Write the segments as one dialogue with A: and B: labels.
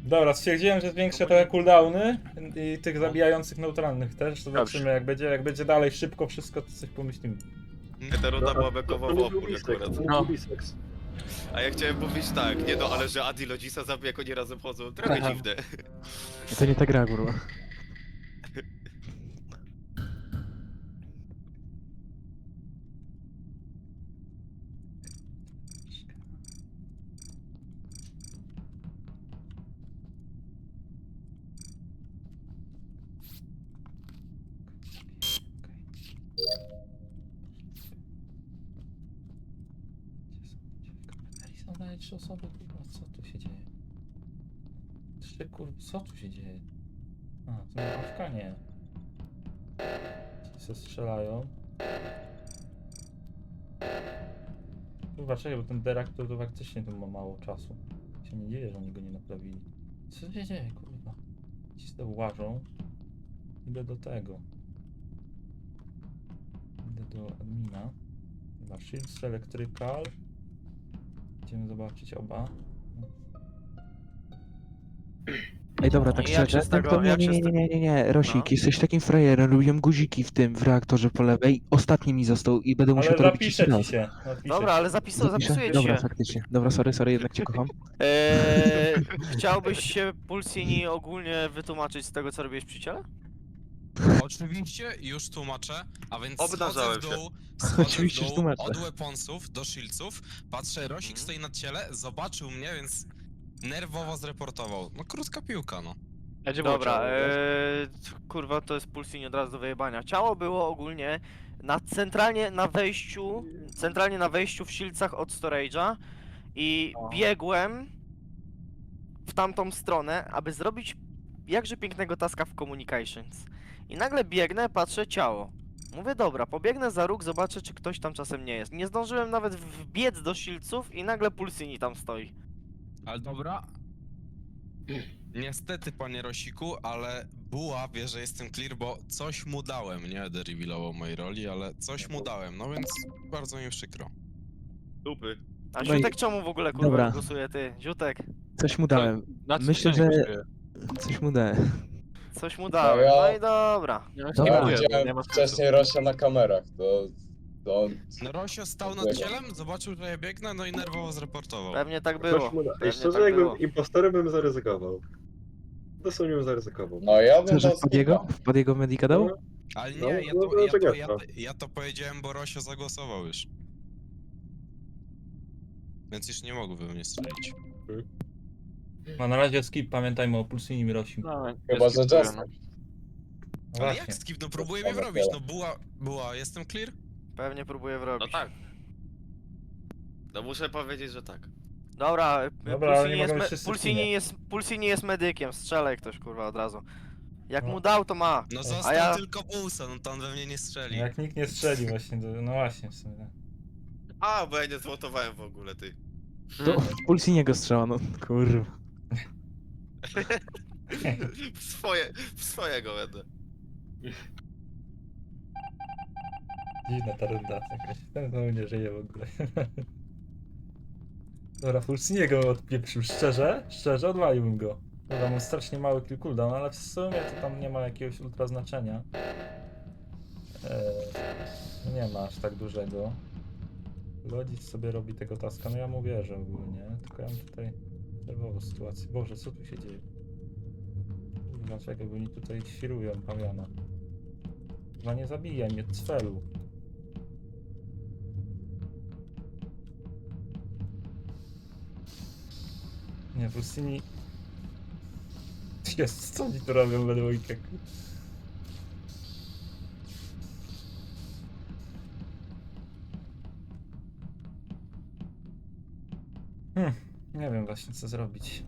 A: Dobra, stwierdziłem, że zwiększę trochę cooldowny i tych zabijających neutralnych też. Zobaczymy, jak będzie dalej szybko wszystko, to coś pomyślimy.
B: Ta runda była
C: To
B: bekowa w
C: nie był
B: opór
C: Lisek,
B: akurat.
C: to nie
D: No.
C: był Lisek.
B: A ja chciałem powiedzieć tak, nie no, ale że Adi Lodzisa zabija, jak oni razem chodzą, trochę
D: Aha.
B: dziwne.
E: To nie ta gra, kurwa.
A: Są dalej 3 osoby, kurwa, co tu się dzieje? 3 kurwa, co tu się dzieje? A, to na Afganie. Ci se strzelają. Kurwa, czekaj, bo ten deraktor to faktycznie tu ma mało czasu. Się nie dzieje, że oni go nie naprawili. Co się dzieje, kurwa? Ci sobie łażą. Idę do tego. Idę do admina. Chyba Shields Electrical. Idziemy zobaczyć oba.
E: Ej, dobra, tak
D: I jak
E: szczerze,
D: się z tego-
E: to nie,
D: jak się
E: nie,
D: z
E: nie, nie, nie, nie, Rosik,
D: No.
E: jesteś takim frajerem, robiłem guziki w tym, w reaktorze po lewej, ostatni mi został i będę musiał
A: Ale
E: to robić jeszcze
A: zapiszę ci
E: raz.
A: się. Zapiszę
D: Dobra,
A: ci.
D: ale zapisuję ci
E: Dobra,
D: się.
E: faktycznie. Dobra, sorry, jednak cię kocham.
D: Chciałbyś się Pulsini ogólnie wytłumaczyć z tego, co robiłeś przy ciele?
F: Oczywiście już tłumaczę, a więc
B: Obnażałem
F: schodzę w dół,
E: Oczywiście, że
F: schodzę w dół
E: tłumaczę.
F: od weaponsów do shieldsów, patrzę, Rosik stoi na ciele, zobaczył mnie, więc nerwowo zreportował. No krótka piłka, no.
D: Dobra, kurwa, to jest Pulsini od razu do wyjebania. Ciało było ogólnie centralnie na wejściu w Shieldsach od storage'a i biegłem w tamtą stronę, aby zrobić jakże pięknego taska w communications. I nagle biegnę, patrzę ciało. Mówię, dobra, pobiegnę za róg, zobaczę, czy ktoś tam czasem nie jest. Nie zdążyłem nawet wbiec do Shieldsów i nagle Pulsini tam stoi.
F: Ale dobra. Niestety, panie Rosiku, ale Buła wie, że jestem clear, bo coś mu dałem. Nie będę revealował mojej roli, ale coś mu dałem, no więc bardzo mi przykro.
B: Dupy.
D: A
E: No i-
D: Ziutek czemu w ogóle kurwa
E: Dobra.
D: głosuje ty? Ziutek,
E: Coś mu dałem. Myślę, że... Coś mu dałem.
D: coś mu dałem.
G: ja-
D: No i dobra.
E: Dobra.
G: Ja widziałem wcześniej Rosia na kamerach, to on...
F: No Rosio stał nad
G: Dziękuję.
F: cielem, zobaczył, że ja biegnę, no i nerwowo zreportował.
D: Pewnie tak było.
C: Ktoś mu da-
D: Pewnie
C: Ej, szczerze,
D: tak
C: jakbym
D: było.
C: impostorem bym zaryzykował. Dosłownie bym zaryzykował.
G: No ja bym
E: Co, że
G: dał
E: wpadł
G: skipa.
E: jego Medica dał?
F: Ale
C: No,
F: nie, ja
C: no,
F: to,
C: no,
F: ja, to,
C: czekaj,
F: ja,
C: to.
F: ja to powiedziałem, bo Rosio zagłosował już. Więc już nie mógłby mnie strzelić.
A: No na razie skip, pamiętajmy o Pulsinim i Rosim. No
G: Chyba, że Jester.
F: Ale
A: właśnie.
F: jak skip? No próbuję mnie wrobić, no była, jestem clear?
D: Pewnie próbuję
B: No
D: wrobić.
B: tak. No muszę powiedzieć, że tak.
D: Dobra,
A: Dobra, ale nie mogą być wszyscy w teamie.
D: Pulsini jest medykiem, strzelaj ktoś kurwa od razu. Jak
A: No.
D: mu dał, to ma.
F: No
D: A
F: został
D: ja-
F: tylko Bulsa, no to on we mnie nie strzeli.
A: Jak nikt nie strzeli właśnie, to, no właśnie w sumie. tak.
B: A, bo ja nie złotowałem w ogóle, ty.
E: To w Pulsiniego strzała, no kurwa.
B: W swojego będę.
A: Dziwna ta runda jakaś. Ten znowu nie żyje w ogóle. Dobra, Pulsiniego odpieprzył, szczerze odwaliłbym go. Dobra, mam strasznie mały kill cooldown, ale w sumie to tam nie ma jakiegoś ultra znaczenia. Nie ma aż tak dużego. Lodzic sobie robi tego taska, no ja mu wierzę ogólnie, tylko ja mam tutaj nerwową sytuację. Boże, co tu się dzieje? Dlaczego oni tutaj świrują pawiana? Chyba nie zabijaj mnie, cfelu. Nie, Pulsini... Jest, co oni tu robią we dwójkę? Nie wiem właśnie co zrobić.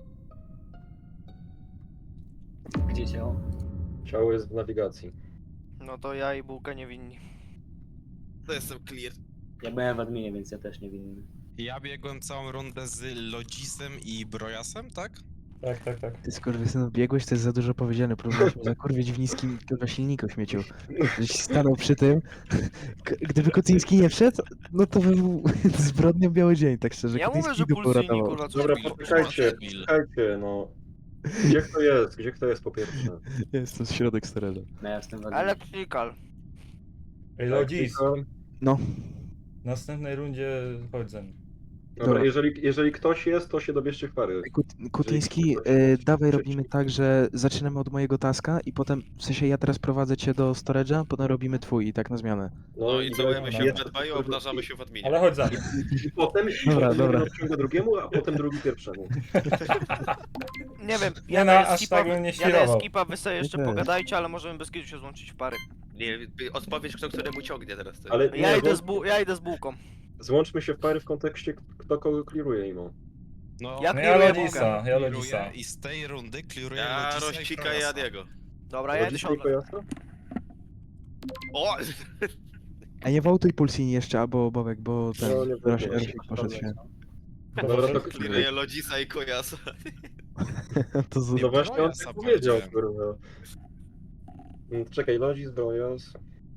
H: Gdzie ciało?
C: Ciało jest w nawigacji.
D: No to ja i Bułka niewinni.
B: To jestem clear.
H: Ja byłem w adminie, więc ja też nie winny.
F: Ja biegłem całą rundę z Lodzisem i Brojasem, tak?
A: Tak.
E: Ty skurwysynu, biegłeś, to jest za dużo powiedziane. Próbowaliśmy zakurwić w niskim kurwa silniku śmieciu. Żeś stanął przy tym. Gdyby Kucyński nie wszedł, no to by był zbrodnią biały dzień, tak szczerze.
D: Ja mówię,
E: Kucyński
D: że
E: dupę
D: Pulsini
E: uratował.
D: kurwa coś
C: Dobra,
D: robi.
C: poczekajcie,
F: Debil.
C: poczekajcie, no. Gdzie kto jest? Gdzie kto jest po pierwsze?
E: Jest to środek storage'a.
H: No ja jestem w adminie.
D: Electrical.
A: Ej, Lodzis,
C: Tylko-
E: No,
A: w następnej rundzie chodź ze mną.
C: Dobra, jeżeli ktoś jest, to się dobierzcie w pary.
E: Kutyński, dawaj robimy tak, że zaczynamy od mojego taska i potem, w sensie ja teraz prowadzę cię do storage'a, potem robimy twój i tak na zmianę.
B: No i całujemy się
C: jest-
B: w Medbayu, obnażamy się w adminie.
A: Ale chodź za mną.
C: I potem
E: Dobra,
C: jeden
E: dobra.
C: odciąga drugiemu, a potem drugi pierwszemu.
D: Nie wiem,
A: Nie
D: ja
A: no,
D: daję
A: aż
D: skipa,
A: tak bym nie
D: ja daję
A: świrował.
D: skipa, wy sobie jeszcze
E: Nie.
D: pogadajcie, ale możemy bez kitu się złączyć w pary.
B: Nie, odpowiedź kto któremu ciągnie teraz. Ty.
C: Ale
D: Ja
C: nie,
D: idę ja idę z bułką.
C: złączmy się w pary w kontekście, kto kogo clearuje imo.
F: No,
D: Ja
A: No ja
D: clearuję
A: Lodzisa, ja
F: clearuję
A: Lodzisa.
F: i z tej rundy clearuję
B: Ja
F: Lodzisa
B: Rościka i
F: Krojasa.
B: Adiego.
D: Dobra, ja idę się
C: Rodzice i
D: odwrócić.
C: Kojasa?
B: O!
E: A nie wołtuj Pulsini jeszcze, albo Bobek, bo ten
C: No, nie
E: Rosik
C: wołtuję.
E: poszedł się.
C: Dobra, to
B: Clearuję Lodzisa i Kojasa.
E: To z...
F: Nie,
C: no właśnie on
F: Brojasa
C: tak powiedział,
F: powiedziałem.
C: kurwa. Czekaj, Lodzis, Brojas.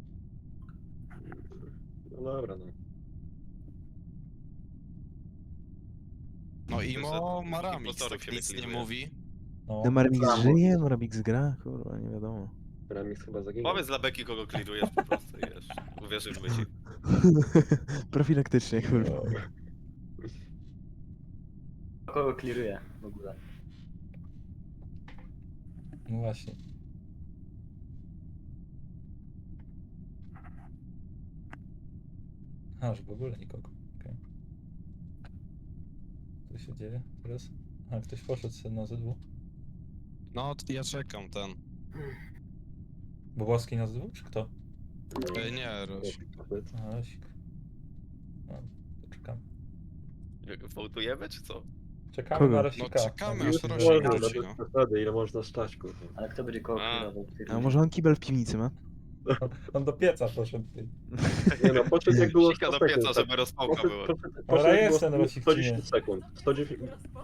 C: No dobra, no.
F: No Imo Maramix,
B: Impostorów
F: tak
B: się
F: nic nie
B: wyklinuje.
F: mówi.
A: No.
E: No Maramix żyje, Maramix gra, kurwa, nie wiadomo.
C: Ramix chyba zaginął.
B: Powiedz dla Beki kogo clearujesz po prostu, wiesz. Uwierzymy ci.
E: Profilaktycznie, kurwa.
H: Kogo clearuje w ogóle?
A: No właśnie. Aż w ogóle nikogo. Okay. Co się dzieje teraz? A ktoś poszedł sobie na ZW.
F: No, ja czekam ten.
A: Boboski na ZW, czy kto?
F: Nie, Rosik.
A: A, Rosik. No, to czekamy.
B: Wołtujemy czy co?
A: Czekamy
E: Kogo?
A: na
F: No
A: Rosika.
F: czekamy
C: Już
F: aż Rosik
C: wolno,
F: wróci,
C: bez
F: no.
C: przesady, ile można stać, kurwa.
H: Ale kto będzie kogo
B: A.
H: clearował?
E: A może on kibel w piwnicy ma?
A: On do pieca poszedł. Ty.
C: Nie no, podszedł jak było
B: Sika
C: 100
B: do
C: sekund.
B: pieca, żeby rozpałka była.
A: Ale
C: jak
A: jest
C: było
A: ten Rosik,
C: 110 sekund. 110...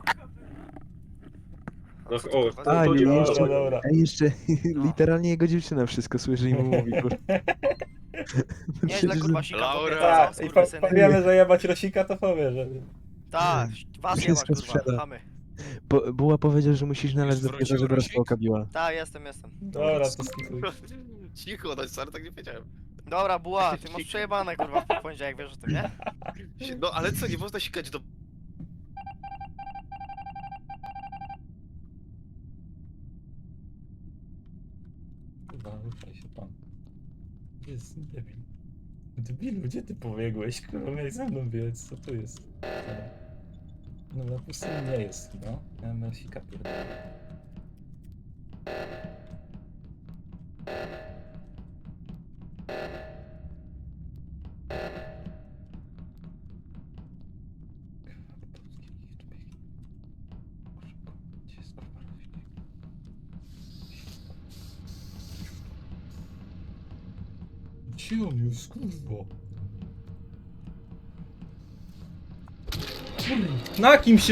C: No,
D: Co
C: o,
D: ty, kurwa,
C: to
E: A, nie,
C: 110
E: jeszcze,
C: sekund.
A: dobra.
E: a jeszcze literalnie jego dziewczyna wszystko słyszy i mu mówi, kurwa.
D: Nieźle kurwa sika
B: Laura.
D: kobieta,
A: Tak,
D: co,
A: i
D: skurwysyny.
A: powiemy zajebać Rosika, to powie, że...
D: Tak, was jebać
E: Wszystko
D: kurwa,
E: sprzeda.
D: chamy.
E: Buła powiedział, że musisz nalać
F: Już
E: do pieca,
F: wrócił
E: żeby
F: Rosik?
E: rozpałka biła.
D: Tak, jestem.
A: Dobra, to skipuj.
B: Cicho, no sorry, tak nie wiedziałem.
D: Dobra, Buła, ty masz przejebane kurwa w poniedziałek, wiesz o tym, nie?
B: No ale co, nie można sikać do...
A: Kurwa, ruszaj się pan. Gdzie jest debil? Debilu, gdzie ty pobiegłeś? Kurwa, miałeś ze mną biec, co tu jest? No na pustyni nie jest, no. Ja mam Rosika pierdolę. Gdzie jest kurwa Rosik? Gdzie on jest, kurwa? Na kim się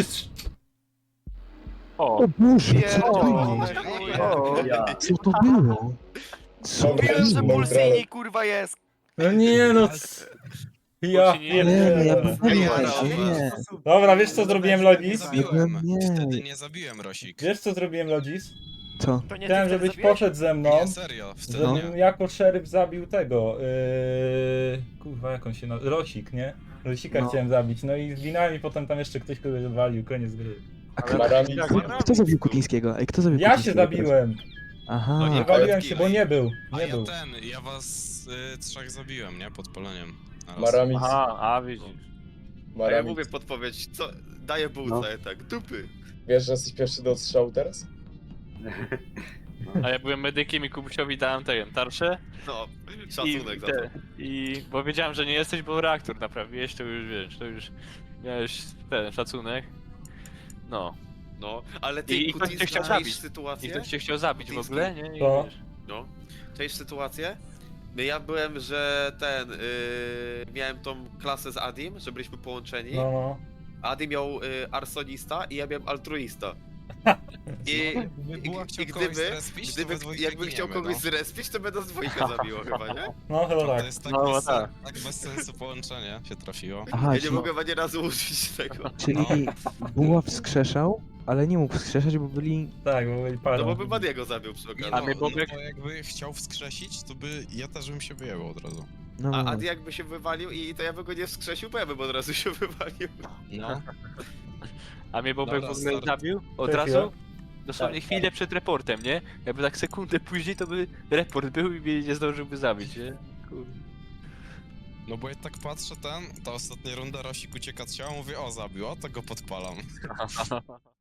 E: O Boże, co to
D: Pierdolone
E: było?
D: chuje.
H: Ja.
E: Co to było? Co to
D: Mówiłem, że
E: było?
D: Pulsini kurwa jest.
A: No nie no. Ja
E: Nie, nie, ja
A: pierdolę.
E: nie,
B: Ej,
E: ale nie.
A: Dobra, wiesz co zrobiłem
F: Nie
A: Lodzis?
F: zabiłem.
E: Nie.
F: Wtedy nie zabiłem Rosik.
A: Wiesz co zrobiłem Lodzis?
E: Co?
D: To nie
A: Chciałem,
D: ty wtedy
A: żebyś
D: zabiłeś?
A: poszedł ze mną.
F: Nie, serio, wtedy
A: Żebym
F: nie.
A: jako szeryf zabił tego. Kurwa, jak on się nazywa? Rosik, nie? Rosika
E: No.
A: chciałem zabić. No i zginąłem i potem tam jeszcze ktoś kogoś walił, koniec gry.
E: A
G: Maramix,
E: kto zabił Kutińskiego? Ej, kto zabił
A: Ja się
E: Kutińskiego teraz?
A: zabiłem!
E: Aha.
B: No
A: Nie
B: nie
A: waliłem się, bo nie był.
F: A
A: Nie
F: ja
A: był.
F: ja was trzech zabiłem, nie? Podpaleniem. Naraz.
G: Maramix,
I: A widzisz.
B: A ja
G: Maramix.
B: mówię podpowiedź, co? Daję bułce, tak, dupy.
G: Wiesz, że jesteś pierwszy do odstrzału teraz?
I: A ja byłem medykiem i Kubusiowi dałem ten tarczę.
B: No, szacunek za to.
I: Bo wiedziałem, że nie jesteś, bo reaktor naprawiłeś, to już wiesz, to już miałeś ten szacunek. No.
B: No, ale ty,
I: I ktoś cię chciał
B: czaisz
I: zabić. I
B: sytuację?
I: ktoś cię chciał zabić w
B: Kutiński?
I: ogóle, nie? I
A: To.
I: wiesz.
B: No. Czaisz sytuację? No ja byłem, że miałem tą klasę z Adim, że byliśmy połączeni.
A: No, no.
B: Adi miał arsonista i ja miałem altruista. I,
F: Gdyby była chciał
B: i
F: kogoś
B: gdyby,
F: zrespić, to we dwójkę
B: jakby chciał
F: giniemy,
B: kogoś
F: no.
B: zrespić, to by nas dwójkę zabiło chyba, nie?
A: No chyba
F: To
A: tak.
F: jest tak,
I: No,
F: bez,
I: tak.
F: tak bez sensu połączenie się trafiło.
E: Aha,
B: Ja nie
E: czyli,
B: mogłem ani razu użyć tego.
E: czyli Buła wskrzeszał, ale nie mógł wskrzeszać, bo byli...
A: Tak, bo byli
B: No
A: parą.
B: bo by Badiego zabił przy
F: Nie,
B: okazji.
I: A
F: no,
I: mnie
F: no
I: Bobek-
F: bo jakby chciał wskrzesić, to by ja też bym się wyjebał od razu.
E: No,
B: A
E: no,
B: Adi jakby się wywalił i to ja bym go nie wskrzesił, bo ja bym od razu się wywalił.
F: No.
I: A mnie Bobek
F: Dobra,
I: w ogóle
F: start.
I: zabił od
A: Cześć,
I: razu.
A: ja.
I: Dosłownie chwilę przed reportem, nie? Jakby tak sekundę później to by report był i mnie nie zdążyłby zabić, nie? Kurde.
F: No bo jak tak patrzę ta ostatnia runda, Rosik ucieka od ciała, mówię, o zabił, o to go podpalam.